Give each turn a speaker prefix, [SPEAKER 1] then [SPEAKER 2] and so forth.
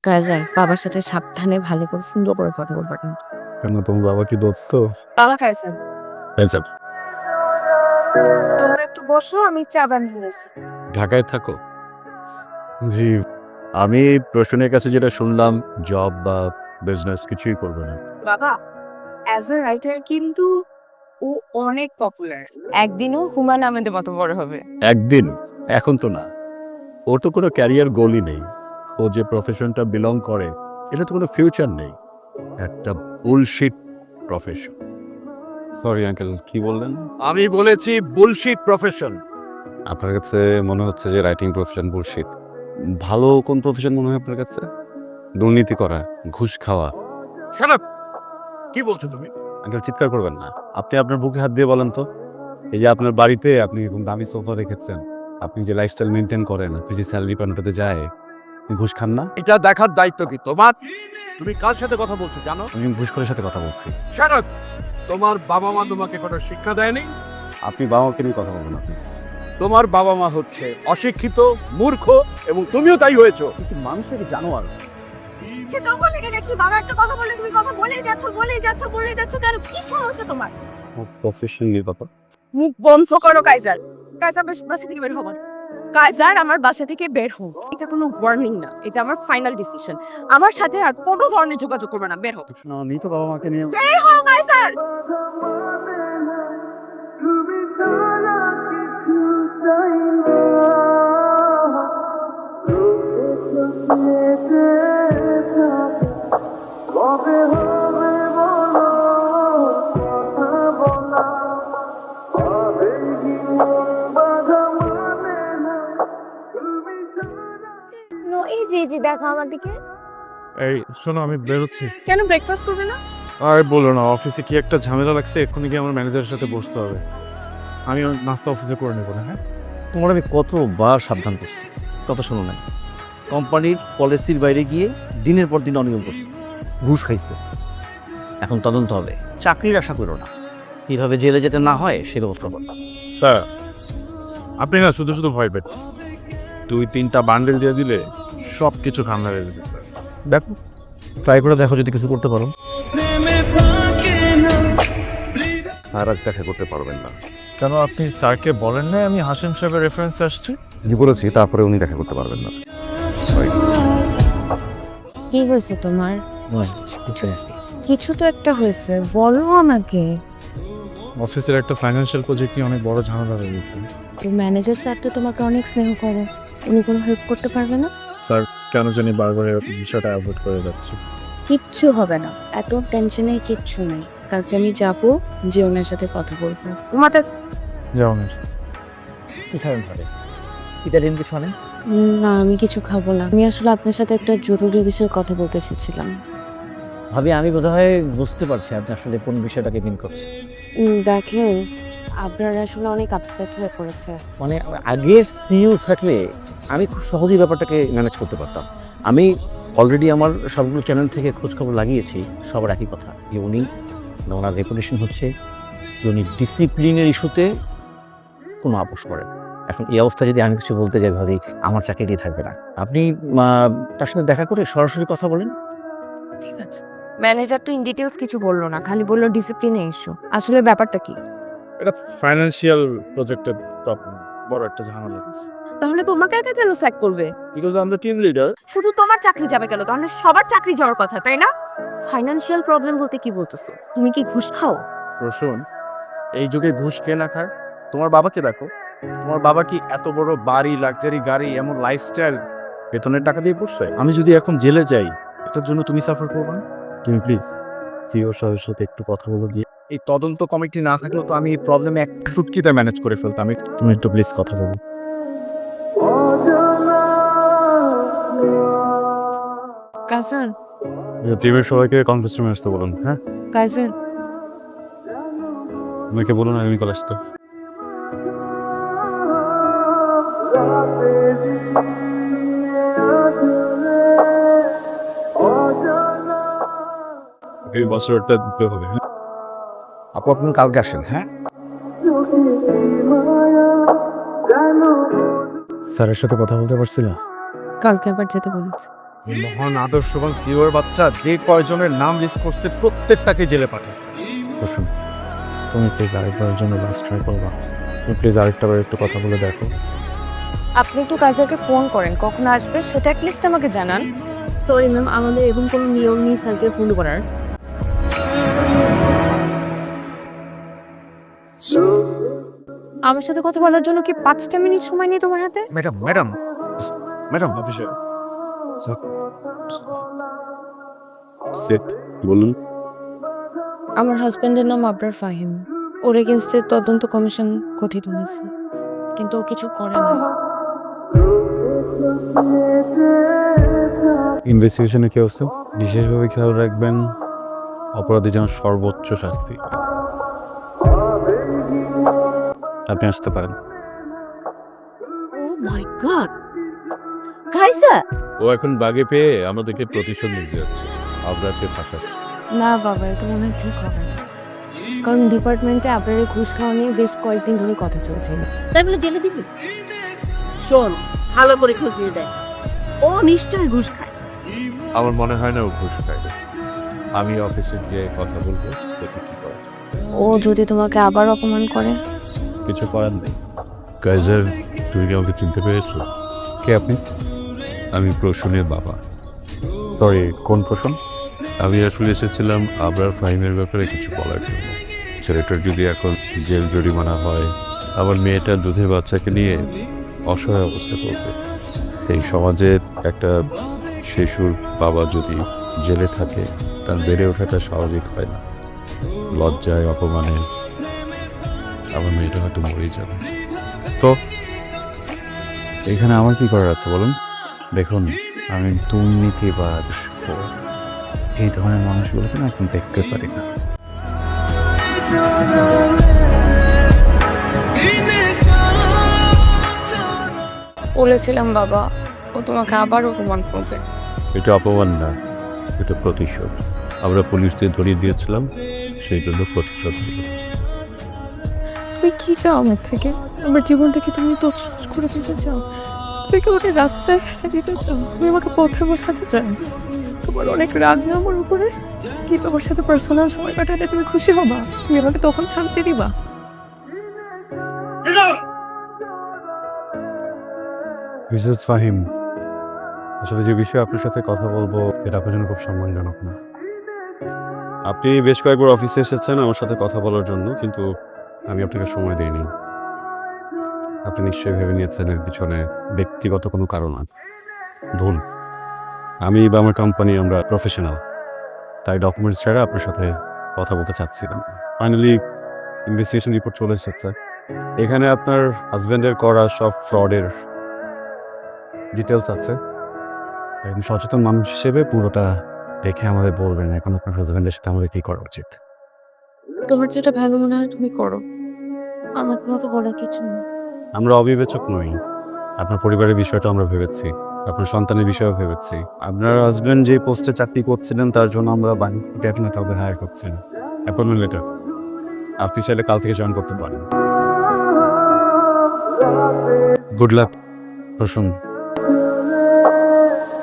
[SPEAKER 1] কাজল বাবার সাথে সাবধানে ভালো করে সুন্দর করে কথা বলবা কিন্তু।
[SPEAKER 2] কেন তোমার বাবা কি দত্ত?
[SPEAKER 1] বাবা কাজল
[SPEAKER 2] আচ্ছা,
[SPEAKER 1] তোমরা একটু বসো, আমি চা বানিয়ে আসি।
[SPEAKER 2] ঢাকায় থাকো?
[SPEAKER 3] জি, আমি প্রশ্নের কাছে যেটা শুনলাম জব বা বিজনেস কিছুই করবে না।
[SPEAKER 1] বাবা অ্যাজ আ রাইটার কিন্তু ও অনেক পপুলার, একদিনও হুমায়ুন আহমেদের মতো বড় হবে।
[SPEAKER 3] একদিন, এখন তো না। ওর তো কোনো ক্যারিয়ার গোলই নেই। ও যে প্রফেশনটা বিলং করে এটা তো কোনো ফিউচার নেই, একটা বুলশিট প্রফেশন।
[SPEAKER 2] সরি আঙ্কেল, কি বললেন?
[SPEAKER 3] আমি বলেছি বুলশিট প্রফেশন।
[SPEAKER 2] আপনার কাছে মনে হচ্ছে যে রাইটিং প্রফেশন বুলশিট। ভালো কোন প্রফেশন মনে হয় আপনার কাছে? দুর্নীতি করা, ঘুষ খাওয়া।
[SPEAKER 3] Shut up! কি বলছো তুমি?
[SPEAKER 2] আঙ্কেল চিৎকার করবেন না। আপনি আপনার বুকে হাত দিয়ে বলেন তো, এই যে আপনার বাড়িতে আপনি এরকম দামি সোফা রেখেছেন, আপনি যে লাইফস্টাইল মেনটেন করেন, আপনি যে স্যালারি পান ওটাতে যায়, আপনি ঘুষ খান না?
[SPEAKER 3] এটা দেখার দায়িত্ব কি তোমার? তুমি কার সাথে কথা বলছো জানো?
[SPEAKER 2] আমি ঘুষখোরের সাথে কথা বলছি।
[SPEAKER 3] Shut up! তোমার বাবা মা তোমাকে কোনো শিক্ষা দেয়নি?
[SPEAKER 2] আপনি বাবা মাকে নিয়ে কথা বলবেন না প্লিজ।
[SPEAKER 3] তোমার বাবা মা হচ্ছে অশিক্ষিত, মূর্খ এবং তুমিও তাই হয়েছো।
[SPEAKER 2] মানুষ নাকি জানোয়ার?
[SPEAKER 1] সে তখন লেগে গেছি, বাবা একটা কথা বলে তুমি কথা বলেই যাচ্ছ কেন? কি সমস্যা তোমার?
[SPEAKER 2] প্রফেশন নিয়ে কথা।
[SPEAKER 1] মুখ বন্ধ করো কাইজার। কাইজার বাসা থেকে বের হবো। কাইজার আমার বাসা থেকে বের হও। এটা কোনো ওয়ার্নিং না, এটা আমার ফাইনাল ডিসিশন। আমার সাথে আর কোনো ধরনের যোগাযোগ করবে না, বের হও।
[SPEAKER 2] আমি তো বাবা মাকে নিয়ে
[SPEAKER 1] বের হও কাইজার। এই যে দেখো আমার দিকে।
[SPEAKER 4] এই শোনো, আমি বেরোচ্ছি।
[SPEAKER 1] কেন ব্রেকফাস্ট করবে না?
[SPEAKER 4] আর বলো না, অফিসে কি একটা ঝামেলা লাগছে, এক্ষুনি গিয়ে আমার ম্যানেজারের সাথে বসতে হবে। আমি ওর নাস্তা অফিসে করে নেবো না। হ্যাঁ,
[SPEAKER 5] তোমার আমি কতবার সাবধান করছি, কথা শোনো নাই। কোম্পানির পলিসির বাইরে গিয়ে দিনের পর দিন অনিয়ম করছে, ঘুষ খাইছে। এখন তদন্ত হবে, চাকরির আশা করো না। কিভাবে জেলে যেতে না হয় সে ব্যবস্থা করো।
[SPEAKER 4] স্যার আপনি না শুধু শুধু ভয় পেয়েছেন। 2-3টা বান্ডেল দিয়ে দিলে সব কিছু ঠান্ডা হয়ে যাবে স্যার।
[SPEAKER 5] দেখো, ট্রাই করে দেখো যদি কিছু করতে পারো।
[SPEAKER 2] স্যার আজ দেখা করতে পারবেন না।
[SPEAKER 4] কেন, আপনি স্যারকে বলেন না আমি হাসিম সাহেবের রেফারেন্সে আসছি?
[SPEAKER 2] জি বলেছি, তারপরে উনি দেখা করতে পারবেন না।
[SPEAKER 1] কি হয়েছে তোমার?
[SPEAKER 5] কিছু না।
[SPEAKER 1] কিছু তো একটা হয়েছে, বলো আমাকে।
[SPEAKER 4] অফিসের একটা ফাইন্যান্সিয়াল প্রজেক্ট নিয়ে অনেক বড় ঝামেলা হয়ে গেছে।
[SPEAKER 1] তো ম্যানেজার স্যার তো তোমাকে অনেক স্নেহ করে, উনি কোনো হেল্প করতে পারবে না?
[SPEAKER 4] স্যার কেন জানি বারবার এই বিষয়টা অ্যাভয়েড করে যাচ্ছি।
[SPEAKER 1] কিচ্ছু হবে না, এত টেনশনের কিচ্ছু নাই। কালকে আমি যাবো, যে ওনার সাথে কথা বলবো। তোমাদের
[SPEAKER 4] যেমন
[SPEAKER 5] কি খাবেন ঘরে? ইতালিয়ান কিছু আনেন?
[SPEAKER 1] না, আমি কিছু খাবো না। আমি আসলে আপনার সাথে একটা জরুরি বিষয়ে কথা বলতে এসেছিলাম।
[SPEAKER 5] ভাবি, আমি বোধহয় বুঝতে পারছি আপনি আসলে কোন বিষয়টাকে মিন করছেন।
[SPEAKER 1] দেখেন, আপনার আসলে অনেক আপসেট হয়ে পড়েছে।
[SPEAKER 5] মানে আগের সিইও থাকলে আমি খুব সহজেই ব্যাপারটাকে ম্যানেজ করতে পারতাম। আমি অলরেডি আমার সবগুলো চ্যানেল থেকে খোঁজখবর লাগিয়েছি, সবার একই কথা যে উনি, ওনার রেপুটেশন হচ্ছে যে উনি ডিসিপ্লিনের ইস্যুতে কোনো আপোষ করেন। এখন এই অবস্থায় যদি আমি কিছু বলতে যাই ভাবি আমার চাকরিটি থাকবে না। আপনি তার সাথে দেখা করে সরাসরি কথা বলেন।
[SPEAKER 1] ঠিক আছে। ম্যানেজার তো ইন ডিটেইলস কিছু বললো না, খালি বললো ডিসিপ্লিনে ইস্যু। আসলে ব্যাপারটা কি?
[SPEAKER 4] এটা ফাইন্যান্সিয়াল প্রজেক্টের প্রবলেম, বড় একটা ঝামেলা হয়েছে।
[SPEAKER 1] তাহলে তোমাকে একা কেন স্যাক করবে?
[SPEAKER 4] Because I am the team leader.
[SPEAKER 1] শুধু তোমার চাকরি যাবে কেন? তাহলে সবার চাকরি যাওয়ার কথা, তাই না? ফাইনান্সিয়াল প্রবলেম বলতে কি বলতেছো? তুমি কি ঘুষ খাও?
[SPEAKER 4] রসুন, এই যুগে ঘুষ কে না খায়? তোমার বাবাকে দেখো, তোমার বাবা কি এত বড় বাড়ি, লাক্সারি গাড়ি, এমন লাইফস্টাইল বেতনের টাকা দিয়ে পড়ছে? আমি যদি এখন জেলে যাই, এটার জন্য তুমি সাফার করবে না? তুমি প্লিজ সিও সাহেবের সাথে একটু কথা বলে দিয়ে, এই তদন্ত কমিটি না থাকলেও তো আমি এই প্রবলেমে এক চুটকিতে ম্যানেজ করে ফেলতাম। তুমি একটু প্লিজ কথা বলো।
[SPEAKER 1] কাজান,
[SPEAKER 2] টিমের সবাইকে কনফারেন্স রুমে আসতে বলুন। হ্যাঁ,
[SPEAKER 1] কাজান,
[SPEAKER 2] আমাকে বলুন আমি কল আসতে। এই বছরটা দিতে হবে। হ্যাঁ,
[SPEAKER 5] আপু আপনি কালকে আসেন। হ্যাঁ,
[SPEAKER 4] স্যারের সাথে কথা বলতে পারছি না।
[SPEAKER 1] কালকে আবার যেতে বলেছে।
[SPEAKER 4] এই মহান আদর্শবান সিওর বাচ্চা যে কয়জনের নাম লিস্ট করছে প্রত্যেকটাকে জেলে পাঠাইছে।
[SPEAKER 5] প্রশ্ন, তুমি প্লিজ আরেকবারের জন্য লাস্ট ট্রাই করবা। তুমি প্লিজ আরেকটা বার একটু কথা বলে দেখো।
[SPEAKER 1] আপনি একটু কাইজারকে ফোন করেন, কখন আসবে সেটা অ্যাটলিস্ট আমাকে জানান। সরি ম্যাম, আমাদের এরকম কোনো নিয়ম নেই স্যারকে ফোন করার। আমার সাথে কথা বলার জন্য কি 5টা মিনিট সময় নেই তোমার হাতে?
[SPEAKER 4] ম্যাডাম ম্যাডাম ম্যাডাম
[SPEAKER 2] অফিসে সেট বলুন।
[SPEAKER 1] আমার হাজবেন্ডের নাম আবরার ফাহিম। ওর এগেনস্টে তদন্ত কমিশন গঠিত হয়েছে, কিন্তু ও কিছু করে না।
[SPEAKER 2] ইনভেস্টিগেশনে কি অবস্থা? বিশেষভাবে খেয়াল রাখবেন অপরাধী যেন সর্বোচ্চ শাস্তি। আপনি আসতে পারেন।
[SPEAKER 1] ও মাই গড, কাইজার!
[SPEAKER 3] ও এখন বাগে পেয়ে আমাদেরকে প্রতিশোধ নিতে যাচ্ছে, আবরারকে ফাঁসাচ্ছে।
[SPEAKER 1] না বাবা, এটা মনে হয় ঠিক হবে না, কারণ ডিপার্টমেন্টে আবরারের ঘুষ খাওয়া নিয়ে বেশ কয়েকদিন ধরে কথা চলছিল।
[SPEAKER 6] তাই বলে জেলে দিবি? শোন, ভালো করে খোঁজ নিয়ে দেখ, ও নিশ্চয়ই ঘুষ খায়।
[SPEAKER 3] আমার মনে হয় না ও ঘুষ খায়। আমি অফিসে গিয়ে কথা বলবো, দেখি কি করে।
[SPEAKER 1] ও যদি তোমাকে আবার অপমান করে?
[SPEAKER 2] কিছু করার নেই।
[SPEAKER 3] কাইজার, তুমি কি আমাকে চিনতে পেরেছো?
[SPEAKER 2] কে আপনি?
[SPEAKER 3] আমি প্রসূনের বাবা।
[SPEAKER 2] সরি, কোন প্রশ্ন?
[SPEAKER 3] আমি আসলে এসেছিলাম আবরার ফাহিমের ব্যাপারে কিছু বলার জন্য। ছেলেটার যদি এখন জেল জরিমানা হয়, আমার মেয়েটা দুধের বাচ্চাকে নিয়ে অসহায় অবস্থা করবে। এই সমাজে একটা শিশুর বাবা যদি জেলে থাকে, তার বেড়ে ওঠাটা স্বাভাবিক হয় না। লজ্জায়, অপমানে আমার মেয়েটা হয়তো মরেই যাবে।
[SPEAKER 2] তো এখানে আমার কি করার আছে বলুন? দেখুন, আমি দুর্নীতিবাজ এই ধরনের মানুষগুলোকে না এখন দেখতে পারি না।
[SPEAKER 1] বলেছিলাম বাবা, ও তোমাকে আবার অপমান করবে।
[SPEAKER 3] এটা অপমান না, এটা প্রতিশোধ। আমরা পুলিশ দিয়ে ধরিয়ে দিয়েছিলাম, সেই জন্য প্রতিশোধ নিল।
[SPEAKER 1] তুমি কি চাও আমার থেকে? আমার জীবনটাকে তুমি তছনছ করে দিতে চাও? তুমি কি আমাকে রাস্তায় ফেলে দিতে চাও? তুমি আমাকে পথে বসাতে চাও? তোমার অনেক রাগ না আমার উপরে? কি তোমার সাথে পার্সোনাল সময় কাটালে তুমি খুশি হবা? তুমি আমাকে তখন শান্তি দিবা?
[SPEAKER 2] মিসেস ফাহিম, আসলে যে বিষয়ে আপনার সাথে কথা বলবো এটা আপনার জন্য খুব সম্মানজনক না। আপনি বেশ কয়েকবার অফিসে এসেছেন আমার সাথে কথা বলার জন্য, কিন্তু আমি আপনাকে সময় দিইনি। আপনি নিশ্চয়ই ভেবে নিয়েছেন এর পিছনে ব্যক্তিগত কোনো কারণ আছে। ভুল। আমি বা আমার কোম্পানি আমরা প্রফেশনাল, তাই ডকুমেন্টস ছাড়া আপনার সাথে কথা বলতে চাচ্ছিলাম। ফাইনালি ইনভেস্টিগেশন রিপোর্ট চলে এসেছে। এখানে আপনার হাজব্যান্ডের করা সব ফ্রডের ডিটেলস আছে। একজন সচেতন মানুষ হিসেবে পুরোটা দেখে আমাদের বলবেন এখন আপনার হাজব্যান্ডের সাথে আমাদের কি করা উচিত।
[SPEAKER 1] তোমার যেটা ভালো মনে হয় তুমি করো, আমার কোনো তো বলার কিছু নেই।
[SPEAKER 2] আমরা অবিবেচক নই। আপনার পরিবারের বিষয়টা আমরা ভেবেছি, আপনার সন্তানের বিষয়েও ভেবেছি। আপনার হাজব্যান্ড যে পোস্টে চাকরি করছিলেন তার জন্য আমরা বাড়ি থেকে এখন কাউকে হায়ার করছেন। অ্যাপয়েন্টমেন্ট লেটার আপনি চাইলে কাল থেকে জয়েন করতে পারেন। Good luck. প্রসন্ন।